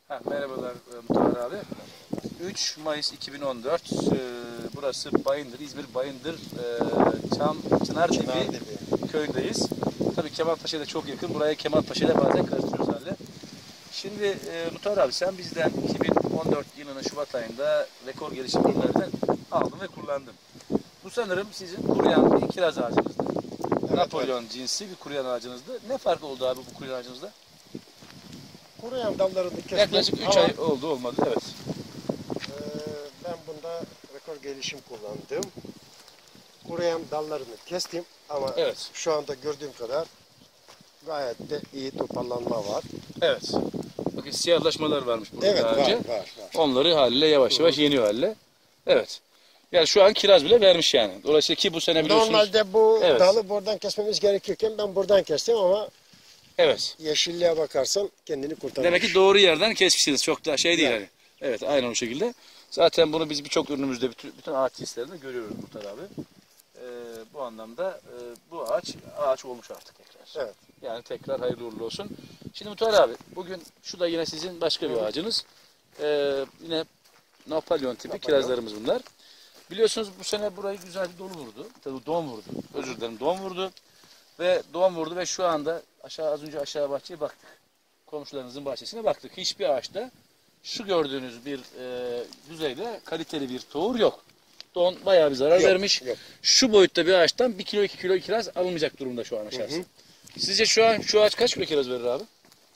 Merhabalar Muhtar abi. 3 Mayıs 2014. Burası Bayındır, İzmir Bayındır Çınardibi köyündeyiz. Tabii Kemalpaşa'ya da çok yakın. Buraya Kemalpaşa'yla bazen karıştırıyoruz halde. Şimdi Muhtar abi sen bizden 2014 yılının Şubat ayında rekor gelişim ürünlerinden aldın ve kullandın. Bu sanırım sizin kuruyan bir kiraz ağacınızdı. Evet, Napolyon cinsi bir kuruyan ağacınızdı. Ne fark oldu abi bu kuruyan ağacınızda? Kuruyan dallarını kestim. Yaklaşık 3 ay oldu olmadı, evet. Ben bunda rekor gelişim kullandım. Kuruyan dallarını kestim ama evet, şu anda gördüğüm kadar gayet de iyi toparlanma var. Evet. Bakın siyahlaşmalar varmış burada Evet, daha önce. var. Onları haliyle yavaş yavaş yeniyor haliyle. Evet. Yani şu an kiraz bile vermiş yani. Dolayısıyla ki bu sene biliyorsunuz. Normalde bu evet, dalı buradan kesmemiz gerekirken ben buradan kestim ama evet, yeşilliğe bakarsan kendini kurtarmış. demek ki doğru yerden kesmişsiniz. Çok da şey değil yani. Evet, aynen o şekilde. Zaten bunu biz birçok ürünümüzde, bütün ağaç cinslerinde görüyoruz Muhtar abi. Bu anlamda bu ağaç olmuş artık tekrar. Evet. Yani tekrar hayırlı uğurlu olsun. Şimdi Muhtar abi, bugün şu da yine sizin başka bir ağacınız. Yine Napolyon tipi kirazlarımız bunlar. Biliyorsunuz bu sene burayı güzel bir dolu vurdu. Tabii don vurdu. Özür dilerim, don vurdu. Ve don vurdu ve şu anda az önce aşağı bahçeye baktık. Komşularınızın bahçesine baktık. Hiçbir ağaçta şu gördüğünüz bir düzeyde kaliteli bir tohum yok. Don bayağı bir zarar vermiş. Yok. Şu boyutta bir ağaçtan 1 kilo 2 kilo kiraz alınmayacak durumda şu an aşağısı. Sizce şu an şu ağaç kaç kilo kiraz verir abi?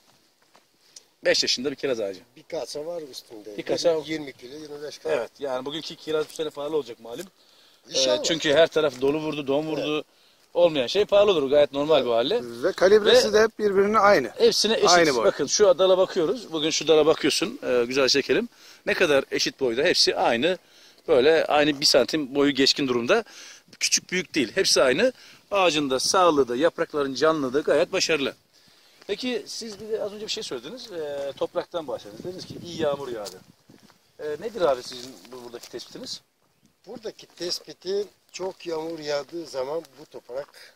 5 yaşında bir kiraz ağacı. Bir kasa var üstünde. Bir kasa 20 kilo 25 kilo. Evet, yani bugünkü kiraz bu sene pahalı olacak malum. İnşallah. Her taraf dolu vurdu, don vurdu. Evet. Olmayan şey pahalı olur, gayet normal bir hale. Ve kalibresi de hep birbirine aynı. Hepsine eşit. Aynı boy. Bakın şu dala bakıyoruz. Bugün şu dala bakıyorsun. Güzel çekelim. Ne kadar eşit boyda. Hepsi aynı. Böyle aynı 1 santim boyu geçkin durumda. Küçük büyük değil. Hepsi aynı. Ağacın da sağlığı da yaprakların canlılığı da gayet başarılı. Peki siz bir de az önce bir şey söylediniz. Topraktan bahsettiniz. Dediniz ki iyi yağmur yağdı. Nedir abi sizin buradaki tespitiniz? Buradaki tespiti çok yağmur yağdığı zaman bu toprak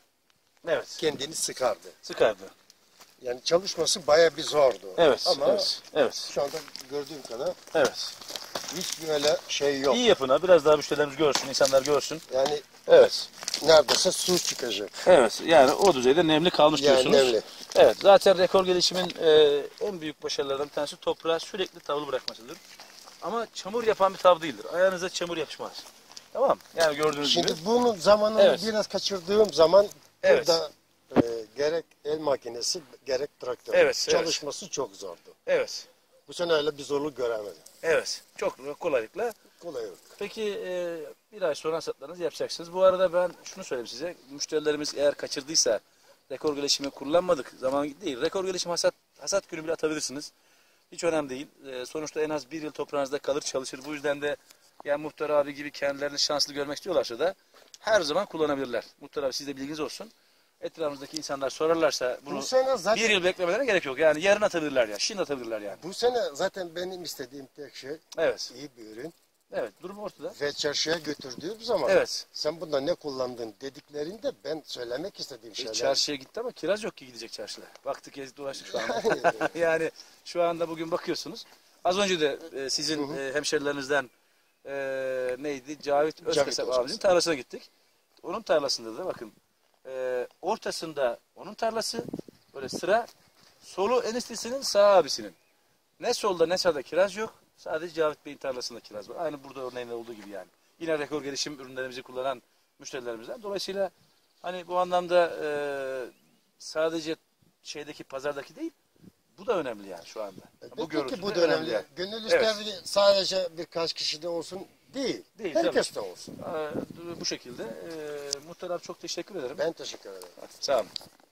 kendini sıkardı. Sıkardı. Yani çalışması bayağı bir zordu. Evet. Ama evet. şu anda gördüğüm kadar evet, hiç böyle şey yok. İyi yapın ha. Biraz daha müşterilerimiz görsün, insanlar görsün. Yani evet, neredeyse su çıkacak. Evet, yani o düzeyde nemli kalmış diyorsunuz. Nemli. Evet, zaten rekor gelişimin en büyük başarılarından bir tanesi toprağa sürekli tavlı bırakmasıdır. Ama çamur yapan bir tav değildir. Ayağınıza çamur yapışmaz. Tamam, yani gördüğünüz gibi. Şimdi bunun zamanını biraz kaçırdığım zaman burada gerek el makinesi gerek traktör çalışması çok zordu. Evet. Bu sene öyle bir zorluk göremedim. Evet, çok kolaylıkla. Kolaylık. Peki bir ay sonra hasatlarınızı yapacaksınız. Bu arada ben şunu söyleyeyim size. Müşterilerimiz eğer kaçırdıysa rekor gelişimi kullanmadık. Zaman değil. Rekor gelişim hasat günü bile atabilirsiniz. Hiç önemli değil. Sonuçta en az 1 yıl toprağınızda kalır çalışır. Bu yüzden de yani Muhtar abi gibi kendilerini şanslı görmek istiyorlarsa da her zaman kullanabilirler. Muhtar abi siz de bilginiz olsun. Etrafımızdaki insanlar sorarlarsa bunu zaten 1 yıl beklemelerine gerek yok. Yani yarın atabilirler ya. Şimdi atabilirler yani. Bu sene zaten benim istediğim tek şey iyi bir ürün. Evet, durum ortada. Ve çarşıya götürdüğüm zaman sen bunda ne kullandın dediklerinde ben söylemek istediğim şeyler. Çarşıya gitti ama kiraz yok ki gidecek çarşıda. Baktık gezdik dolaştık şu anda. Yani şu anda bugün bakıyorsunuz. Az önce de sizin hemşerilerinizden neydi? Cavit Özkasap abimizin tarlasına gittik. Onun tarlasında da bakın ortasında onun tarlası böyle sıra, solu eniştesinin, sağ abisinin. Ne solda ne sağda kiraz yok. Sadece Cavit Bey'in tarlasında kiraz var. Aynı burada örneğinde olduğu gibi yani. Yine rekor gelişim ürünlerimizi kullanan müşterilerimizden. Dolayısıyla hani bu anlamda sadece pazardaki değil, bu da önemli yani şu anda. Bu Peki bu da önemli. Yani. Gönül ister sadece birkaç kişide olsun değil. Herkes de olsun. Bu şekilde. Muhtar abi çok teşekkür ederim. Ben teşekkür ederim. Sağ olun.